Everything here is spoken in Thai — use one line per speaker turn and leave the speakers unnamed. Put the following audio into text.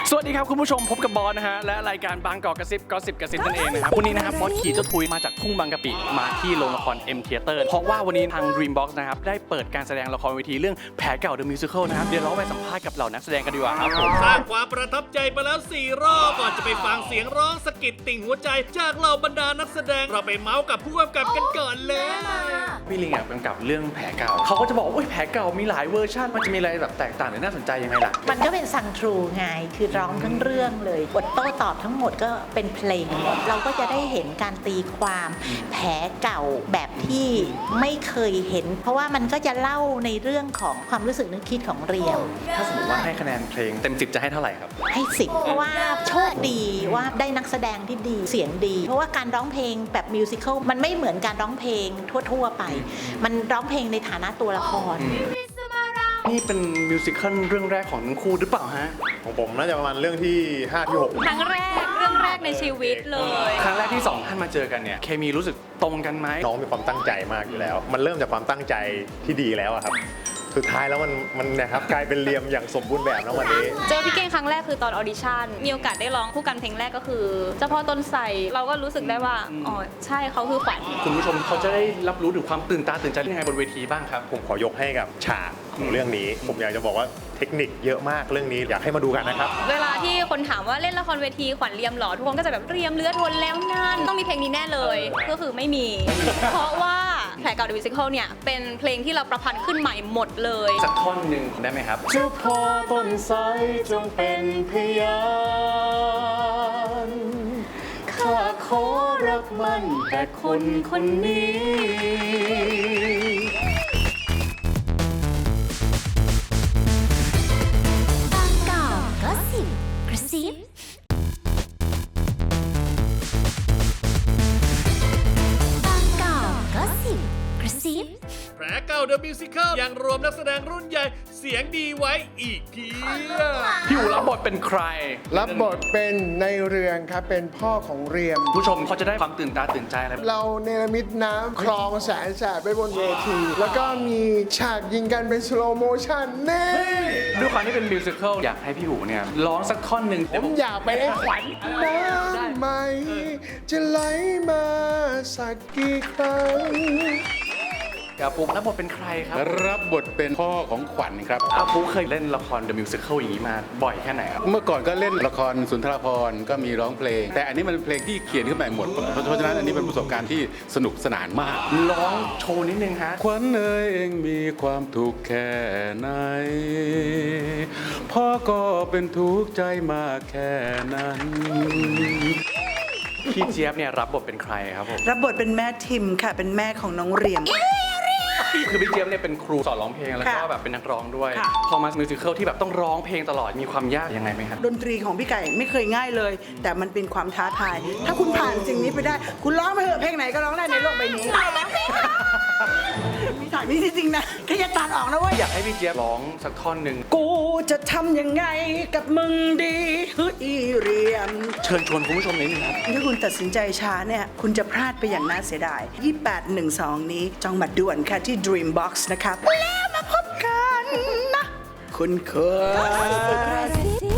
สวัสดีครับคุณผู้ชมพบกับบอสนะฮะและรายการบางกอกกระซิบก็สิบกระซิบนั่นเองนะครับวันนี้นะครับบอสขี่เจ้าทุยมาจากทุ่งบางกะปิมาที่โรงละคร M Theater เพราะว่าวันนี้ทาง Dreambox นะครับได้เปิดการแสดงละครเวทีเรื่องแผลเก่า The Musical นะครับเดี๋ยวเราไปสัมภาษณ์กับเหล่านักแสดงกันดีกว่าครับผม
สร้างความประทับใจไปแล้ว4 รอบก่อนจะไปฟังเสียงร้องสะกิดติ่งหัวใจจากเหล่าบรรดานักแสดงเราไปเมาส์กับผู้กำกับกันก่อนเลย
พี่ลิงกำกับเรื่องแผลเก่าเขาก็จะบอกว่าแผลเก่ามีหลายเวอร์ชันมันจะมีอะไรแบบแตกต่างหรือน่าสนใจยังไงล่ะ
มันก็เป็นซังทรูไงคือร้องทั้งเรื่องเลยบทโต้ตอบทั้งหมดก็เป็นเพลงหมดเราก็จะได้เห็นการตีความแผลเก่าแบบที่ไม่เคยเห็น เพราะว่ามันก็จะเล่าในเรื่องของความรู้สึกนึกคิดของเรียม
ถ้าสมมติว่าให้คะแนนเพลงเต็ม10จะให้เท่าไหร่ครับ
ให้10เพราะว่าโชคดีว่าได้นักแสดงที่ดีเสียงดี เพราะว่าการร้องเพลงแบบมิวสิควลมันไม่เหมือนการร้องเพลงทั่วๆไปมันร้องเพลงในฐานะตัวละคร
นี่เป็นมิวสิควลเรื่องแรกของทั้งคู่หรือเปล่าฮะ
ของผมน่าจะประมาณเรื่องที่5ที่6
ครั้งแรกเรื่องแรกในชีวิตเลย
ครั้งแรกที่2ท่านมาเจอกันเนี่ยเคมีรู้สึกตรงกันไหม
น้องมีความตั้งใจมากอยู่แล้วมันเริ่มจากความตั้งใจที่ดีแล้วอะครับสุดท้ายแล้วมันนะครับกลายเป็นเรียมอย่างสมบูรณ์แบบแล้ววันนี้
เจอพี่เก่งครั้งแรกคือตอนออดิชั่นมีโอกาสได้ร้องคู่กันเพลงแรกก็คือเจ้าพ่อต้นไทรเราก็รู้สึกได้ว่าอ๋อใช่เขาคือขวัญ
คุณผู้ชมเขาจะได้รับรู้ถึงความตื่นตาตื่นใจยังไงบนเวทีบ้างครับ
ผมขอยกให้กับฉากของเรื่องนี้ผมอยากจะบอกว่าเทคนิคเยอะมากเรื่องนี้อยากให้มาดูกันนะครับ
เวลาที่คนถามว่าเล่นละครเวทีขวัญเรียมหรอทุกคนก็จะแบบเรียมเลือดทนแล้วนั่นต้องมีเพลงนี้แน่เลยก็คือไม่มี เพราะว่าแผลเก่า The Musical เนี่ยเป็นเพลงที่เราประพันธ์ขึ้นใหม่หมดเลย
สักท่อนหนึ่งได้ไหมครับ
เจ้าพ่อต้นไทรจงเป็นพยานข้าขอรักมันแต่คนคนนี้
บางกอกก็สิบกระซิบางกอกก็สิบกระซิบ
แผลเก่า The Musical ยังรวมนักแสดงรุ่นใหญ่เสียงดีไว้อีกเพียบ
พี่อู๋รับบทเป็นใคร
รับบทเป็นในเรืองครับเป็นพ่อของเรียม
ผู้ชมเขาจะได้ความตื่นตาตื่นใจอะไร
เราเนรมิตน้ำคลองแสนแสบไปบนเวทีแล้วก็มีฉากยิงกันเป็นสโลโมชั่นเน่
ด้วยความที่เป็นมิวสิควลอยากให้พี่อู๋เนี่ยร้องสักท่อนหนึ่ง
ผมอยากไปให้ขวัญน้ำไหมจะไหลมาสักกี่ครั้ง
อาปุ๊กรับบทเป็นใครครับ
รับบทเป็นพ่อของขวัญครับ
อาปุ๊กเคยเล่นละคร The Musical อย่างนี้มาบ่อยแค่ไหนครับ
เมื่อก่อนก็เล่นละครสุนทรภรณ์ก็มีร้องเพลงแต่อันนี้มันเป็นเพลงที่เขียนขึ้นมาหมดเพราะฉะนั้นอันนี้เป็นประสบการณ์ที่สนุกสนานมาก
ร้องโชว์นิดนึงฮะ
ขวัญเอ๋ยเองมีความทุกข์แค่ไหนพ่อก็เป็นทุกข์ใจมากแค่นั้น
พี่เจี๊ยบเนี่ยรับบทเป็นใครครับผม
รับบทเป็นแม่ทิมค่ะเป็นแม่ของน้องเรียม
คือพี่เจี๊ยบเนี่ยเป็นครูสอนร้องเพลงแล้วก็แบบเป็นนักร้องด้วยพอมามิวสิควลที่แบบต้องร้องเพลงตลอดมีความยากยังไงไหมครับ
ดนตรีของพี่ไก่ไม่เคยง่ายเลยแต่มันเป็นความท้าทายถ้าคุณผ่านสิ่งนี้ไปได้คุณร้องไปเถอะเพลงไหนก็ร้องได้ในโลกใบนี้มีถ่ายนี่จริงๆนะแค่จะตัดออกนะเว้ย
อยากให้พี่เจี๊ยบร้องสักท่อนหนึ่ง
กูจะทำยังไงกับมึงดีเฮ้ยเรียม
เชิญชวนคุณผู้ชมนิดนึงครับ
ถ้าคุณตัดสินใจช้าเนี่ยคุณจะพลาดไปอย่างน่าเสียดาย2812นี้จองบัตรด่วนค่ะที่ Dreambox นะครับแล้วมาพบกันนะคุณเคย